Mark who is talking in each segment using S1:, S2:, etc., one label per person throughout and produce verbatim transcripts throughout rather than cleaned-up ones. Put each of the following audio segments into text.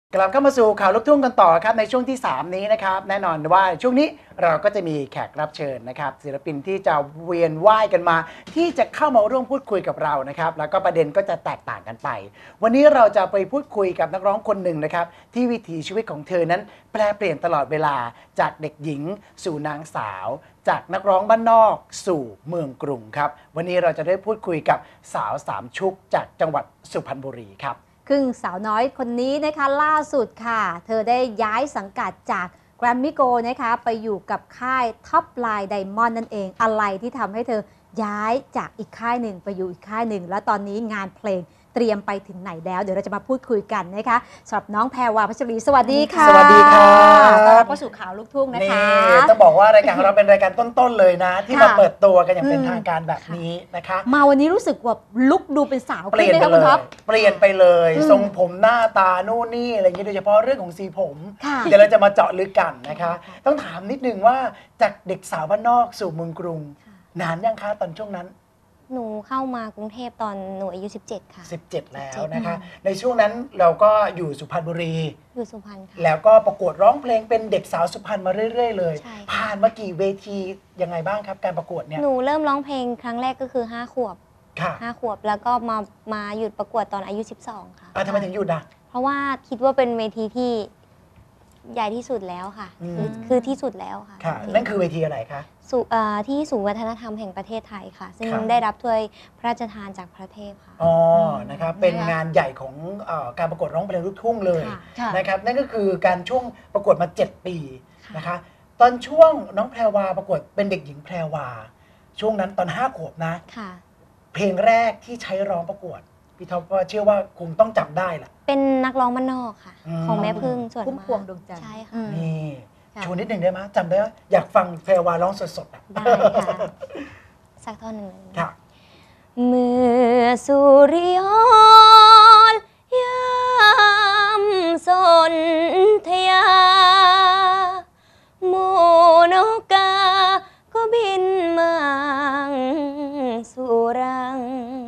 S1: กลับเข้ามาสู่ข่าวลูกทุ่งกันต่อครับในช่วงที่สามนี้นะครับแน่นอนว่าช่วงนี้เราก็จะมีแขกรับเชิญนะครับศิลปินที่จะเวียนว่ายกันมาที่จะเข้ามาร่วมพูดคุยกับเรานะครับแล้วก็ประเด็นก็จะแตกต่างกันไปวันนี้เราจะไปพูดคุยกับนักร้องคนหนึ่งนะครับที่วิถีชีวิตของเธอนั้นแปลเปลี่ยนตลอดเวลาจากเด็กหญิงสู่นางสาวจากนักร้องบ้านนอกสู่เมืองกรุงครับวันนี้เราจะได้พูดคุยกับสาวสามชุกจากจังหวัดสุพรรณบุรีครับ
S2: ครึ่งสาวน้อยคนนี้นะคะล่าสุดค่ะเธอได้ย้ายสังกัดจากแกรมมี่โกนะคะไปอยู่กับค่ายท็อปไลน์ไดมอนด์นั่นเองอะไรที่ทำให้เธอย้ายจากอีกค่ายหนึ่งไปอยู่อีกค่ายหนึ่งแล้วตอนนี้งานเพลงเตรียมไปถึงไหนแล้วเดี๋ยวเราจะมาพูดคุยกันนะคะสำหรับน้องแพรวา พัชรีสวัสดีค่ะ
S1: สวัสดีค่ะ
S2: ต้อนรับเข้าสู่ข่าวลูกทุ่งนะคะ
S1: นี่ต้องบอกว่ารายการของเราเป็นรายการต้นๆเลยนะที่มาเปิดตัวกันอย่างเป็นทางการแบบนี้นะคะ
S2: มาวันนี้รู้สึกว่าลุกดูเป็นสาว
S1: เปลี่ยนไปเลยเปลี่ยนไปเลยทรงผมหน้าตาโน่นนี่อะไรอย่างนี้โดยเฉพาะเรื่องของสีผมเดี๋ยวเราจะมาเจาะลึกกันนะคะต้องถามนิดนึงว่าจากเด็กสาวบ้านนอกสู่เมืองกรุงนานยังคะตอนช่วงนั้น
S3: หนูเข้ามากรุงเทพตอนหนูอายุสิบเจ็ดค่ะ
S1: สิบเจ็ดแล้วนะคะในช่วงนั้นเราก็อยู่สุพรรณบุรี
S3: อยู่สุพรรณค่ะ
S1: แล้วก็ประกวดร้องเพลงเป็นเด็กสาวสุพรรณมาเรื่อยๆเลยผ่านมากี่เวทียังไงบ้างครับการประกวดเนี่ย
S3: หนูเริ่มร้องเพลงครั้งแรกก็คือห้าขวบห้าขวบแล้วก็มามาหยุดประกวดตอนอายุสิบสองค่ะ
S1: ทำไมถึงหยุดอ่ะ
S3: เพราะว่าคิดว่าเป็นเวทีที่ใหญ่ที่สุดแล้วค่ะคือคือที่สุดแล้วค่ะ
S1: นั่นคือเวทีอะไรคะ
S3: ที่ศูนย์วัฒนธรรมแห่งประเทศไทยค่ะซึ่งได้รับถ้วยพระราชทานจากพระเทพค่ะ
S1: อ๋อนะครับเป็นงานใหญ่ของการประกวดร้องเพลงลูกทุ่งเลยนะครับนั่นก็คือการช่วงประกวดมาเจ็ดปีนะคะตอนช่วงน้องแพรวาประกวดเป็นเด็กหญิงแพรวาช่วงนั้นตอนห้าขวบนะเพลงแรกที่ใช้ร้องประกวดพี่ท็อปก็เชื่อว่าคงต้องจำได้แหละ
S3: เป็นนักร้องบ้านนอกค่ะของแม่พึ่งส่วนมาก
S2: พวงดวงจันทร์
S3: ใช่ค่ะ
S1: นี่ชวนนิดหนึ่งได้ไหมจำได้อยากฟังแพรวาร้องสดๆอ่ะ
S3: ได้ค่ะสักท่อนหนึ่ง
S1: ค่ะ
S3: เมื่อสุริยนต์ยามสนธยาหมูนกกาก็บินมาสู่รัง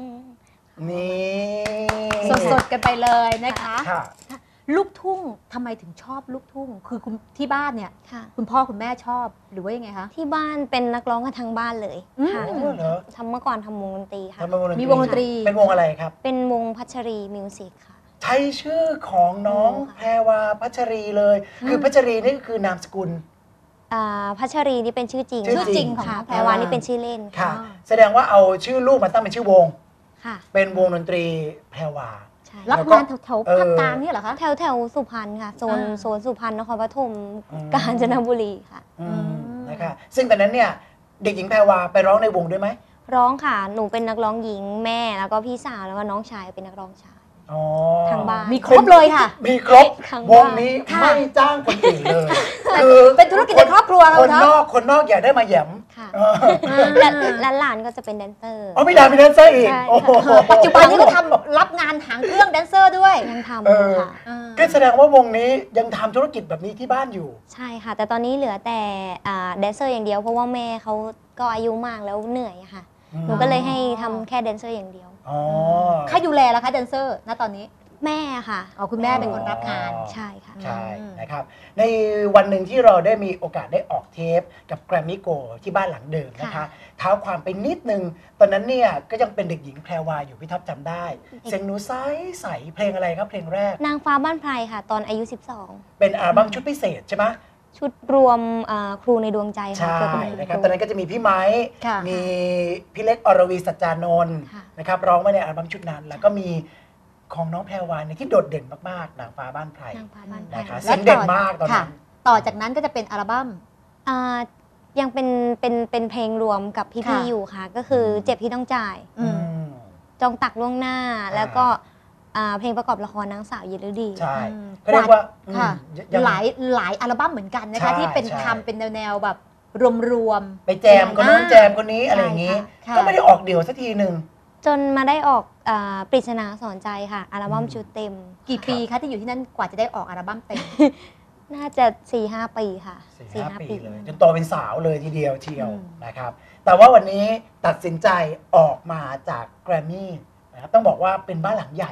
S1: นี่
S2: สดๆกันไปเลยนะคะลูกทุ่งทำไมถึงชอบลูกทุ่งคือคุณที่บ้านเนี่ยคุณพ่อคุณแม่ชอบหรือว่ายังไงคะ
S3: ที่บ้านเป็นนักร้องกันทั้งบ้านเลยค่ะทำเมื่อก่อนทำวงดนตรีค่ะ
S2: มีวงดนตรี
S1: เป็นวงอะไรครับ
S3: เป็นวงพัชรีมิวสิกค่ะ
S1: ใช้ชื่อของน้องแพรวาพัชรีเลยคือพัชรีนี่คือนามสกุล
S3: พัชรีนี่เป็นชื่อจริง
S2: ชื่อจริง
S3: ค่ะแพรวานี่เป็นชื่อเล่น
S1: ค่ะแสดงว่าเอาชื่อลูกมาตั้งเป็นชื่อวงเป็นวงดนตรีแพรวา
S2: รับงานแถวๆภาคกลางนี่เหรอคะ
S3: แถวแถวสุพรรณค่ะโซนโซนสุพรรณนครปฐมกาญจนบุรีค่ะ
S1: นะคะซึ่งตอนนั้นเนี่ยเด็กหญิงแพรวาไปร้องในวงด้วยไหม
S3: ร้องค่ะหนูเป็นนักร้องหญิงแม่แล้วก็พี่สาวแล้วก็น้องชายเป็นนักร้องชายทางบ้าน
S2: มีครบเลยค่ะ
S1: มีครบวงนี้ไม่จ้างคนอื่นเลย
S2: คือเป็นธุรกิจในครอบครัว
S1: คนนอกคนนอกอยากได้มาแย้ม
S3: และหลานก็จะเป็นแดนเซอร์
S1: อ๋อมีหลานเป็นแดนเซอร์อีก
S2: ปัจจุบันนี้ก็ทำรับงานหางเครื่องแดนเซอร์ด้วย
S3: ยังทำค่ะ
S1: ก็แสดงว่าวงนี้ยังทำธุรกิจแบบนี้ที่บ้านอยู่
S3: ใช่ค่ะแต่ตอนนี้เหลือแต่แดนเซอร์อย่างเดียวเพราะว่าแม่เขาก็อายุมากแล้วเหนื่อยค่ะหนูก็เลยให้ทำแค่แดนเซอร์อย่างเดียว
S2: ใครดูแลล่ะคะแดนเซอร์ณตอนนี้
S3: แม่ค่ะ
S2: อ๋อคุณแม่เป็นคนรับงาน
S3: ใช่ค่ะ
S1: ใช่นะครับในวันหนึ่งที่เราได้มีโอกาสได้ออกเทปกับแกรมมี่โกที่บ้านหลังเดิมนะคะเท้าความไปนิดนึงตอนนั้นเนี่ยก็ยังเป็นเด็กหญิงแพรวาอยู่พี่ท็อปจำได้เสียงหนูใสใสเพลงอะไรครับเพลงแรก
S3: นางฟ้าบ้านไพรค่ะตอนอายุสิบสอง
S1: เป็นอัลบั้มชุดพิเศษใช่ไหม
S3: ชุดรวมครูในดวงใจ
S1: ค่ะใช่นะครับตอนนั้นก็จะมีพี่ไม้มีพี่เล็กอรวีสัจจานนท์นะครับร้องมาในอัลบั้มชุดนั้นแล้วก็มีของน้องแพรวาเนี่ยที่โดดเด่นมากๆนางฟ้าบ้านไพรนะคะเสียงเด่นมากตอนนั้น
S2: ต่อจากนั้นก็จะเป็นอัลบั้ม
S3: ยังเป็นเป็นเป็นเพลงรวมกับพี่ๆอยู่ค่ะก็คือเจ็บที่ต้องจ่ายจองตักล่วงหน้าแล้วก็เพลงประกอบละครนางสาวเยลดี
S1: ใช่เรียกว่า
S2: หลายหลายอัลบั้มเหมือนกันนะคะที่เป็นทำเป็นแนวแบบรวม
S1: ๆไปแจมคนนู้นแจมคนนี้อะไรอย่างนี้ก็ไม่ได้ออกเดี่ยวสักทีหนึ่ง
S3: จนมาได้ออกปริศนาสอนใจค่ะอัลบั้มชุดเต็ม
S2: กี่ปีคะที่อยู่ที่นั่นกว่าจะได้ออกอัลบั้มเต็ม
S3: น่าจะ สี่ห้า ปีค่ะ
S1: สี่ห้าปีเลยจนโตเป็นสาวเลยทีเดียวเชียวนะครับแต่ว่าวันนี้ตัดสินใจออกมาจากแกรมมี่นะครับต้องบอกว่าเป็นบ้านหลังใหญ่อะ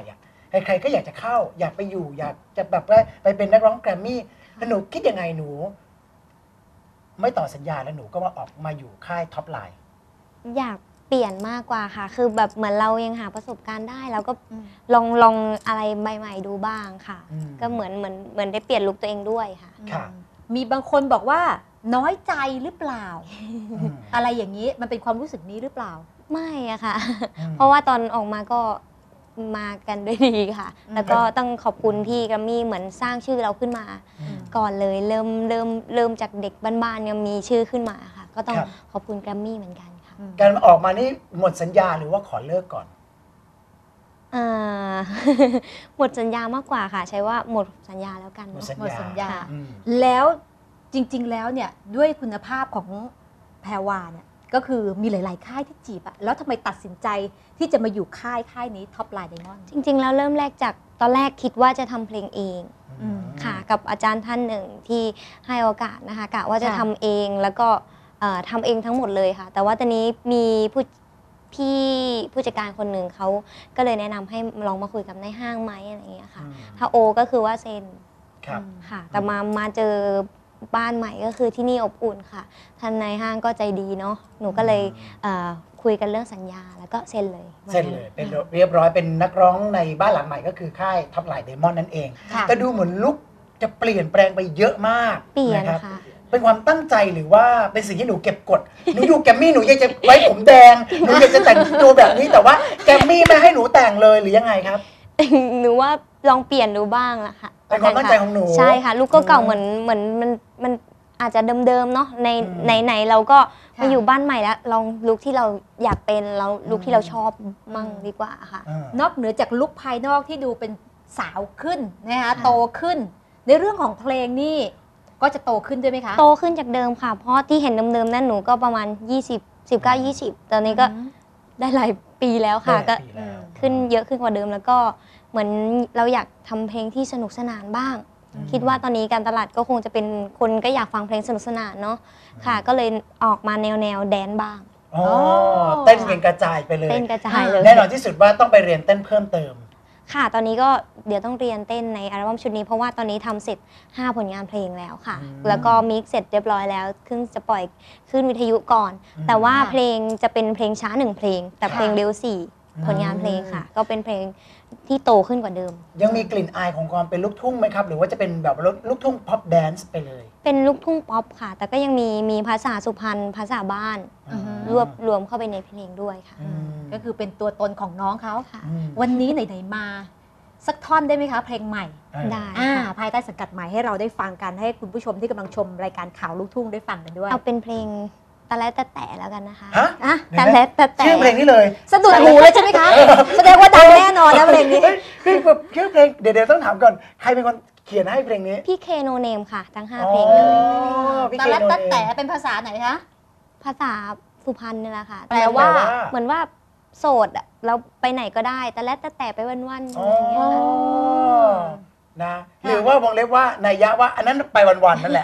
S1: ใครๆก็อยากจะเข้า อยากไปอยู่ อยากจะแบบว่าไปเป็นนักร้องแกรมมี่แล้วหนูคิดยังไงหนู ไม่ต่อสัญญาแล้วหนูก็มาออกมาอยู่ค่ายท็อปไลน์
S3: อยากเปลี่ยนมากกว่าค่ะ คือแบบเหมือนเรายังหาประสบการณ์ได้แล้วก็
S2: อืม
S3: ลองลองอะไรใหม่ๆดูบ้างค่ะ
S1: อืม
S3: ก็เหมือนเหมือนเหมือนได้เปลี่ยนลุคตัวเองด้วยค่ะ
S1: ค่ะ
S2: มีบางคนบอกว่าน้อยใจหรือเปล่า
S1: อืม
S2: อะไรอย่างนี้มันเป็นความรู้สึกนี้หรือเปล่า
S3: ไม่อะค่ะ
S1: อืม
S3: เพราะว่าตอนออกมาก็มากันด้วยดีค่ะ
S2: อืม
S3: แล้วก็ต้องขอบคุณพี่แกรมมี่เหมือนสร้างชื่อเราขึ้นมา
S1: อืม
S3: ก่อนเลยเริ่มเริ่มเริ่มจากเด็กบ้านๆยังมีชื่อขึ้นมาค่ะ ก็ต้อง
S1: ครับ
S3: ขอบคุณแกรมมี่เหมือนกันค่ะ
S2: อืม
S1: การออกมานี่หมดสัญญาหรือว่าขอเลิกก่อน
S3: อ่า หมดสัญญามากกว่าค่ะ ใช้ว่าหมดสัญญาแล้วกัน
S1: หมด
S3: เนาะ
S1: สัญ
S2: หมดสัญญา
S3: ค่ะ
S1: อืม
S2: แล้วจริง ๆ แล้วเนี่ยด้วยคุณภาพของแพรวาเนี่ยก็คือมีหลาย ๆ ค่ายที่จีบอะแล้วทำไมตัดสินใจที่จะมาอยู่ค่ายค่ายนี้ท็อปไลน์ไดมอนด์
S3: จริงๆแล้วเริ่มแรกจากตอนแรกคิดว่าจะทำเพลงเอง
S2: อืม
S3: ค่ะ กับอาจารย์ท่านหนึ่งที่ให้โอกาสนะคะกะว่าจะ
S2: ค่ะ
S3: ทำเองแล้วก็เอ่อทำเองทั้งหมดเลยค่ะ แต่ว่าตอนนี้มีผู้พี่ผู้จัดการคนหนึ่งเขาก็เลยแนะนำให้ลองมาคุยกับในห้างไหมอะไรอย่างเงี้ยค่ะ
S1: อืม
S3: ถ้าโอก็คือว่าเซ็น
S1: ครับ
S3: ค่ะ แต่มามาเจอบ้านใหม่ก็คือที่นี่อบอุ่นค่ะท่านในห้างก็ใจดีเนาะหนูก็เลยเอ่อคุยกันเรื่องสัญญาแล้วก็เซ็นเลย
S1: เสร็จเลยเป็นเรียบร้อยเป็นนักร้องในบ้านหลังใหม่ก็คือค่ายท็อปไลน์เดมอนนั่นเอง
S2: ค่ะ
S1: แต่ดูเหมือนลุกจะเปลี่ยนแปลงไปเยอะมาก
S3: เปลี่ยน
S1: นะครับ
S3: ค่ะ
S1: เป็นความตั้งใจหรือว่าเป็นสิ่งที่หนูเก็บกด หนูอยู่แกรมมี่หนูอยากจะไว้ผมแดง หนูอยากจะแต่งตัวแบบนี้แต่ว่าแกรมมี่ไม่ให้หนูแต่งเลยหรือยังไงครับ
S3: หนูว่าลองเปลี่ยนดูบ้างละค่ะ
S1: เป็นความตั้งใจของหนู
S3: ใช่ค่ะ ลูกก็เก่า
S1: อืม
S3: เหมือนเหมือนมันมันอาจจะเดิมๆเนาะใน
S1: อืม
S3: ในไหนเราก็
S2: ค่ะ
S3: มาอยู่บ้านใหม่แล้วลองลุคที่เราอยากเป็นเราลุคที่เราชอบมั่ง
S2: อืม
S3: ดีกว่าค่ะ
S1: อ่าน
S2: อกเหนือจากลุคภายนอกที่ดูเป็นสาวขึ้นนะคะโตขึ้น ในเรื่องของเพลงนี่ก็จะโตขึ้นด้วยไหมคะ
S3: โตขึ้นจากเดิมค่ะ เพราะที่เห็นเดิมๆนั่นหนูก็ประมาณ ยี่สิบ สิบเก้า ยี่สิบ ตอนนี้ก็
S2: อืม
S3: ได้หลายปีแล้วค่ะ
S1: ได้
S3: ก็
S1: ปีแล้ว
S3: ขึ้นเยอะขึ้นกว่าเดิมแล้วก็เหมือนเราอยากทำเพลงที่สนุกสนานบ้าง
S1: อืม
S3: คิดว่าตอนนี้การตลาดก็คงจะเป็นคนก็อยากฟังเพลงสนุกสนานเนาะค่ะ ก็เลยออกมาแนวแนวแดนบ้าง
S1: อ๋อเต้นเป็นกระจายไปเลย
S3: เต้นกระจายเลย
S1: แน่นอนที่สุดว่าต้องไปเรียนเต้นเพิ่มเติม
S3: ค่ะ ตอนนี้ก็เดี๋ยวต้องเรียนเต้นในอัลบั้มชุดนี้เพราะว่าตอนนี้ทำเสร็จ ห้า ผลงานเพลงแล้วค่ะ
S1: อืม
S3: แล้วก็มิกซ์เสร็จเรียบร้อยแล้วขึ้นจะปล่อยขึ้นวิทยุก่อน
S1: อืม
S3: แต่ว่า
S2: ค่ะ
S3: เพลงจะเป็นเพลงช้าหนึ่งเพลง แต่
S2: ค่ะ
S3: เพลงเร็วสี่
S1: อืม
S3: ผลงานเพลงค่ะ ก็เป็นเพลงที่โตขึ้นกว่าเดิม
S1: ยังมีกลิ่นอายของความเป็นลูกทุ่งไหมครับ หรือว่าจะเป็นแบบลูกทุ่งพ็อปแดนซ์ไปเลย
S3: เป็นลูกทุ่งป๊อปค่ะ แต่ก็ยังมีมีภาษาสุพรรณภาษาบ้าน
S2: อือฮึ
S3: รวบรวมเข้าไปในเพลงด้วยค่ะ
S1: อืม
S2: ก็คือเป็นตัวตนของน้องเขา
S3: ค่ะ
S1: อืม
S2: วันนี้ไหนๆมา สักท่อนได้ไหมคะเพลงใหม่
S1: เออ
S3: ได้
S2: อ่า
S3: ค่ะ
S2: ภายใต้สังกัดใหม่ให้เราได้ฟังกันให้คุณผู้ชมที่กำลังชมรายการข่าวลูกทุ่งได้ฟังกันด้วย
S3: เอาเป็นเพลงตะและตะแต่แล้วกันนะคะ
S1: ฮะ
S2: อ่ะ
S3: ตะและตะแต่
S1: ชื่อเพลงนี้เลย
S2: สะดุดหูเลยใช่ไหมคะ แสดงว่าดังแน่นอนนะเพลงนี้
S1: ฮ้ยคือแบบชื่อเพลงเดี๋ยวเดี๋ยวต้องถามก่อน ใครเป็นคนเขียนให้เพลงนี้
S3: พี่เคโนเนมค่ะ ทั้งห้า
S1: อ๋อ
S3: เพลงเลย
S1: พี่
S2: ตะ
S1: เค
S2: และ
S1: โน
S2: ตะ
S1: เน
S2: แต่
S1: ม
S2: เป็นภาษาไหนคะ
S3: ภาษาสุพรรณนี่แหละค่ะ
S2: แปลว่า
S3: เหมือนว่าโสดอะเราไปไหนก็ได้แต่และแต่แต่ไปวันๆ
S1: อ๋
S3: อะไรอย่างเงี้ยค่ะ
S1: อนะหรือว่าวงเล็บว่านัยยะว่าอันนั้นไปวันๆนั่นแหละ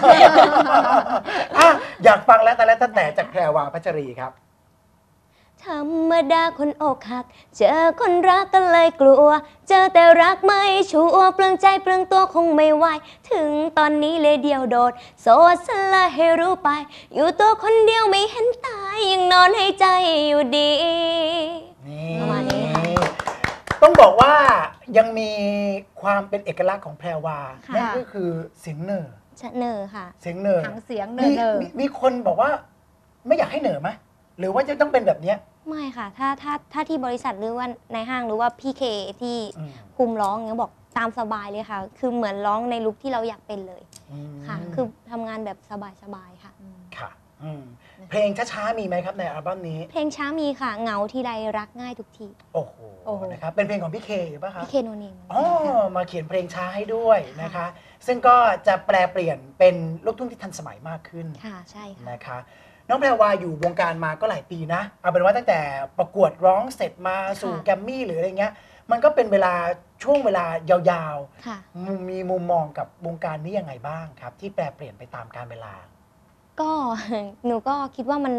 S1: อ่ะอยากฟังแล้วแต่แล้วแต่จากแพรวาพัชรีครับ
S3: ธรรมดาคนอกหัก เจอคนรักก็เลยกลัว เจอแต่รักไม่ชัวร์เปลืองใจเปลืองตัวคงไม่ไหว ถึงตอนนี้เลยเดียวโดด โสดซะเลยให้รู้ไป อยู่ตัวคนเดียวไม่เห็นตาย ยังนอนให้ใจอยู่ดี
S1: นี่
S3: ประมาณนี้ค่ะ
S1: ต้องบอกว่ายังมีความเป็นเอกลักษณ์ของแพรวา
S3: ค่ะ
S1: นั่นก็คือเสียงเหน่อ
S3: ชะเนอค่ะ
S1: เสียงเหน่อ
S2: หางเสียงเน
S1: มี
S2: อ
S1: มีมีคนบอกว่าไม่อยากให้เหน่อไหมหรือว่าจะต้องเป็นแบบเนี้ย
S3: ไม่ค่ะ ถ้าถ้าถ้าที่บริษัทหรือว่าในห้างหรือว่าพี่เคที่
S1: อืม
S3: คุมร้องเงี้ยบอกตามสบายเลยค่ะ คือเหมือนร้องในลุคที่เราอยากเป็นเลย
S1: อืม
S3: ค่ะ คือทำงานแบบสบายๆค่ะ
S1: ค่ะอืมเพลงช้าๆมีไหมครับในอัลบั้มนี้
S3: เพลงช้ามีค่ะ เหงาทีไรรักง่ายทุกที
S1: โอ้โห
S2: โอ้โห
S1: นะครับเป็นเพลงของพี่เคหรือเปล่ะครับ
S3: พี่เคโนเนม
S1: อ๋อมาเขียนเพลงช้าให้ด้วยนะคะ ซึ่งก็จะแปลเปลี่ยนเป็นลูกทุ่งที่ทันสมัยมากขึ้น
S3: ค่ะ ใช่ค่ะ
S1: นะคะน้องแพรวาอยู่วงการมาก็หลายปีนะ เอาเป็นว่าตั้งแต่ประกวดร้องเสร็จมาสู่
S3: ค่ะ
S1: แกรมมี่หรืออะไรเงี้ย มันก็เป็นเวลาช่วงเวลายาว
S3: ค่ะ
S1: ๆมุมมีมุมมองกับวงการนี้ยังไงบ้างครับ ที่แปลเปลี่ยนไปตามกาลเวลา
S3: ก็ หนูก็คิดว่ามัน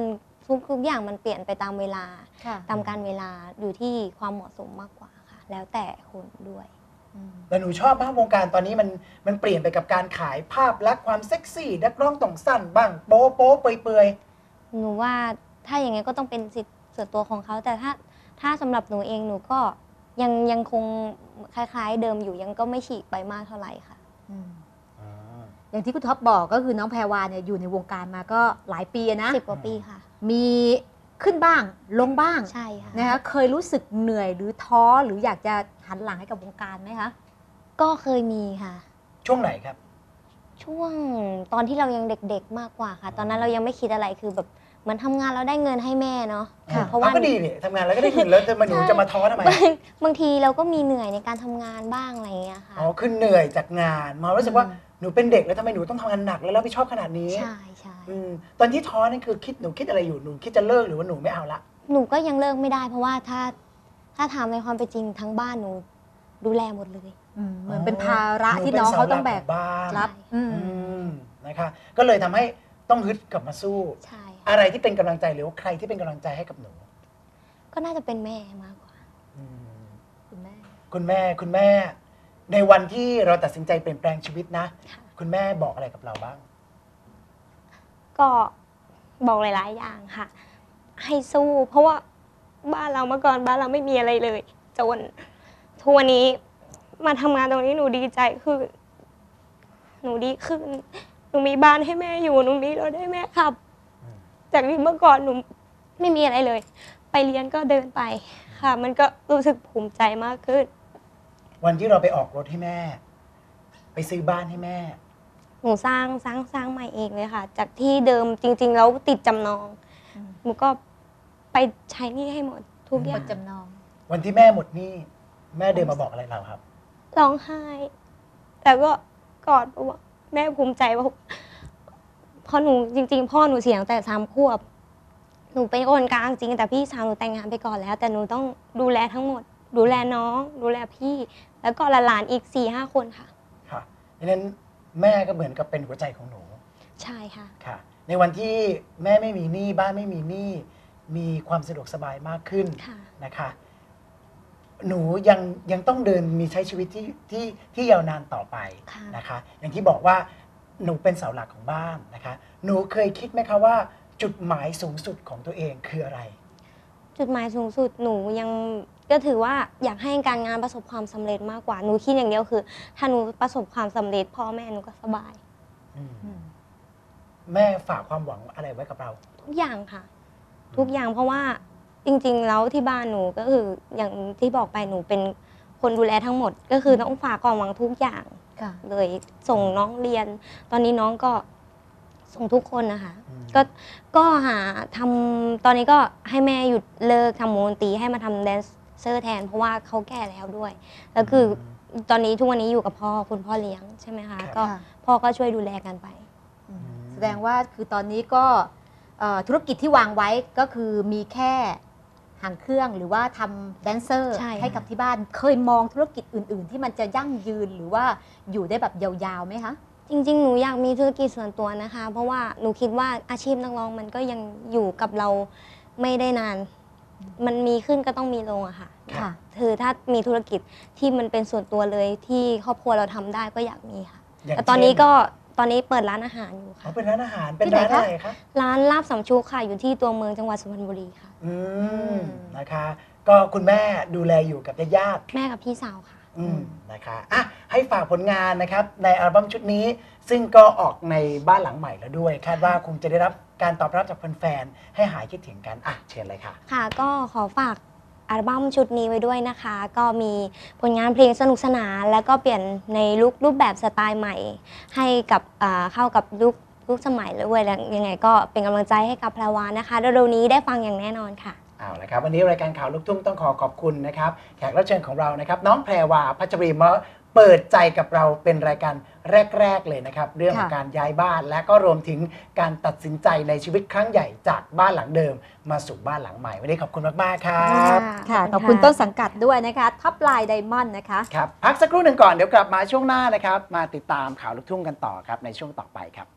S3: ทุกทุกอย่างมันเปลี่ยนไปตามเวลา
S2: ค่ะ
S3: ตามการเวลาอยู่ที่ความเหมาะสมมากกว่าค่ะแล้วแต่คนด้วย
S2: อืม
S1: แต่หนูชอบมากวงการตอนนี้มันมันเปลี่ยนไปกับการขายภาพลักษณ์ความเซ็กซี่นักร้องต้องสั้นบ้างโป๊ะโป๊ะเปื่อยเปื่อย
S3: หนูว่าถ้าอย่างงี้ก็ต้องเป็นสิทธิ์ส่วนตัวของเขาแต่ถ้าถ้าสำหรับหนูเองหนูก็ยังยังคงคล้ายๆ เดิมอยู่ยังก็ไม่ฉีกไปมากเท่าไหร่ค่ะ
S2: อืม
S1: อ่า
S2: อย่างที่คุณท็อปบอกก็คือน้องแพรวาเนี่ยอยู่ในวงการมาก็หลายปีนะ
S3: สิบกว่าปีค่ะ
S2: มีขึ้นบ้างลงบ้าง
S3: ใช่ค่ะ
S2: นะคะเคยรู้สึกเหนื่อยหรือท้อหรืออยากจะหันหลังให้กับวงการไหมคะ
S3: ก็เคยมีค่ะ
S1: ช่วงไหนครับ
S3: ช่วงตอนที่เรายังเด็กๆมากกว่าค่ะ ตอนนั้นเรายังไม่คิดอะไรคือแบบเหมือนทำงานเราได้เงินให้แม่เนาะ
S1: อ่า
S3: เพราะว่า
S1: ก็ดีนี่ทำงานแล้วก็ได้เงินแล้วจะมาหนูจะมาท้อทำไม
S3: บางบางทีเราก็มีเหนื่อยในการทำงานบ้างอะไรอย่างเงี้ยค่ะ
S1: อ๋อคือเหนื่อยจากงานมารู้สึกว่า
S2: อืม
S1: หนูเป็นเด็กแล้วทำไมหนูต้องทำงานหนักแล้วรับผิดชอบขนาดนี้
S3: ใช่ใช่
S1: อืมตอนที่ท้อนั่นคือคิดหนูคิดอะไรอยู่หนูคิดจะเลิกหรือว่าหนูไม่เอาละ
S3: หนูก็ยังเลิกไม่ได้ เพราะว่าถ้าถ้าทำในความเป็นจริงทั้งบ้านหนูดูแลหมดเลย
S2: อืมเหมือนเป็นภาระที่น้องเขาต้องแบก
S1: หนูเป็นเสาหลัขบ้าน
S2: รับ อืม
S1: อืมนะคะก็เลยทำให้ต้องฮึดกลับมาสู้
S3: ใช่
S1: อะไรที่เป็นกำลังใจหรือว่าใครที่เป็นกำลังใจให้กับหนู
S3: ก็น่าจะเป็นแม่มากกว่า
S1: อืม
S2: คุณแม่
S1: คุณแม่คุณแม่ ในวันที่เราตัดสินใจเปลี่ยนแปลงชีวิตนะ
S3: ค่ะ
S1: คุณแม่บอกอะไรกับเราบ้าง
S3: ก็บอกหลายๆอย่างค่ะ ให้สู้ เพราะว่าบ้านเราเมื่อก่อนบ้านเราไม่มีอะไรเลย จนทุกวันนี้มาทำงานตรงนี้หนูดีใจคือหนูดีขึ้น หนูมีบ้านให้แม่อยู่หนูมีรถให้แม่ขับ
S1: อืม
S3: จากที่เมื่อก่อนหนูไม่มีอะไรเลย ไปเรียนก็เดินไปค่ะ มันก็รู้สึกภูมิใจมากขึ้น
S1: วันที่เราไปออกรถให้แม่ ไปซื้อบ้านให้แม่
S3: หนูสร้างสร้างสร้างใหม่เองเลยค่ะ จากที่เดิมจริง ๆ แล้วติดจำนอง
S2: อืม
S3: หนูก็ไปใช้หนี้ให้หมดทุกอ
S2: หม
S3: ย่าง
S2: ดจำนอง
S1: วันที่แม่หมดหนี้แม่เดินมาบอกอะไรเราครับ
S3: ร้องไห้ แต่ก็กอดบอกว่าแม่ภูมิใจว่าเพราะหนูจริง ๆ พ่อหนูเสียตั้งแต่สามขวบ หนูเป็นคนกลางจริง แต่พี่สาวหนูแต่งงานไปก่อนแล้ว แต่หนูต้องดูแลทั้งหมด ดูแลน้อง ดูแลพี่ แล้วก็หลานๆอีกสี่ห้าคนค่ะ
S1: ค่ะดังนั้นแม่ก็เหมือนกับเป็นหัวใจของหนู
S3: ใช่ค่ะ
S1: ค่ะ ในวันที่แม่ไม่มีหนี้บ้านไม่มีหนี้มีความสะดวกสบายมากขึ้น
S3: ค่ะ
S1: นะคะ หนูยังยังต้องเดินมีใช้ชีวิตที่ที่ที่ยาวนานต่อไป
S3: ค่ะ
S1: นะคะ อย่างที่บอกว่าหนูเป็นเสาหลักของบ้านนะคะ หนูเคยคิดไหมคะว่า จุดหมายสูงสุดของตัวเองคืออะไร
S3: จุดหมายสูงสุดหนูยังก็ถือว่าอยากให้การงานประสบความสำเร็จมากกว่า หนูคิดอย่างเดียวคือ ถ้าหนูประสบความสำเร็จพ่อแม่หนูก็สบาย
S1: อืม
S2: อืม
S1: แม่ฝากความหวังอะไรไว้กับเรา
S3: ทุกอย่างค่ะ ทุกอย่างเพราะว่าจริงๆแล้วที่บ้านหนูก็คืออย่างที่บอกไปหนูเป็นคนดูแลทั้งหมด ก็คือต้องฝากความหวังทุกอย่าง
S2: ค่ะ
S3: เลยส่งน้องเรียน ตอนนี้น้องก็ส่งทุกคนนะคะ
S1: อืม
S3: ก็ก็หาทำตอนนี้ก็ให้แม่หยุดเลิกทำวงดนตรีให้มาทำแดนเซอร์แทน เพราะว่าเขาแก่แล้วด้วย แล้วคือตอนนี้ทุกวันนี้อยู่กับพ่อคุณพ่อเลี้ยงใช่ไหมคะก็
S2: ค่ะ
S3: พ่อก็ช่วยดูแลกันไป
S2: อืมแสดงว่าคือตอนนี้ก็เอ่อธุรกิจที่วางไว้ก็คือมีแค่หางเครื่องหรือว่าทำแดนเซอร์
S3: ใช่ค่ะ
S2: ให้กับที่บ้าน เคยมองธุรกิจอื่น ๆ ที่มันจะยั่งยืนหรือว่าอยู่ได้แบบยาวๆไหมคะ
S3: จริงๆ หนูอยากมีธุรกิจส่วนตัวนะคะ เพราะว่าหนูคิดว่าอาชีพนักร้องมันก็ยังอยู่กับเราไม่ได้นาน มันมีขึ้นก็ต้องมีลงอะค่ะ
S2: ค่ะ
S3: คือถ้ามีธุรกิจที่มันเป็นส่วนตัวเลยที่ครอบครัวเราทำได้ก็อยากมีค่ะ
S1: ย่าง
S3: แต่ตอนนี้
S1: เช่
S3: ก็ตอนนี้เปิดร้านอาหารอยู่
S1: เขา
S3: ค่ะ
S1: เป็นร้านอาหารเป็น
S2: ที่ไหน
S1: ร้าน
S2: คะ
S1: อะไรคะ
S3: ร้านลาบสำชุกค่ะอยู่ที่ตัวเมืองจังหวัดสุพรรณบุรีค่ะ
S1: อืม
S2: อืม
S1: นะคะ ก็คุณแม่ดูแลอยู่กับญาติ
S3: แม่กับพี่สาวค่ะ
S1: ๆอืมนะคะอ่ะให้ฝากผลงานนะครับ ในอัลบั้มชุดนี้ ซึ่งก็ออกในบ้านหลังใหม่แล้วด้วย คาดว่าคงจะได้รับการตอบรับจากแฟนๆให้หายคิดถึงกันอ่ะเชิญเลยค่ะ
S3: ค่ะก็ขอฝากอัลบั้มชุดนี้ไว้ด้วยนะคะ ก็มีผลงานเพลงสนุกสนาน แล้วก็เปลี่ยนในลุครูปแบบสไตล์ใหม่ ให้กับอ่าเข้ากับยุคยุคสมัยด้วยแล้วยังไงก็เป็นกำลังใจให้กับแพรวานะคะเร็วๆนี้ได้ฟังอย่างแน่นอนค่ะ
S1: เอาละครับวันนี้รายการข่าวลูกทุ่งต้องขอขอบคุณนะครับแขกรับเชิญของเรานะครับน้องแพรวาพัชรีมาเปิดใจกับเราเป็นรายการแรก ๆ เลยนะครับเรื่องของ
S2: ค่ะ
S1: การย้ายบ้านและก็รวมถึงการตัดสินใจในชีวิตครั้งใหญ่จากบ้านหลังเดิมมาสู่บ้านหลังใหม่วันนี้ขอบคุณมากๆครับ
S2: ค่ะ ขอบคุณต้นสังกัดด้วยนะคะท็อปไลน์ไดมอนด์นะคะ
S1: ครับพักสักครู่หนึ่งก่อนเดี๋ยวกลับมาช่วงหน้านะครับมาติดตามข่าวลูกทุ่งกันต่อครับในช่วงต่อไปครับ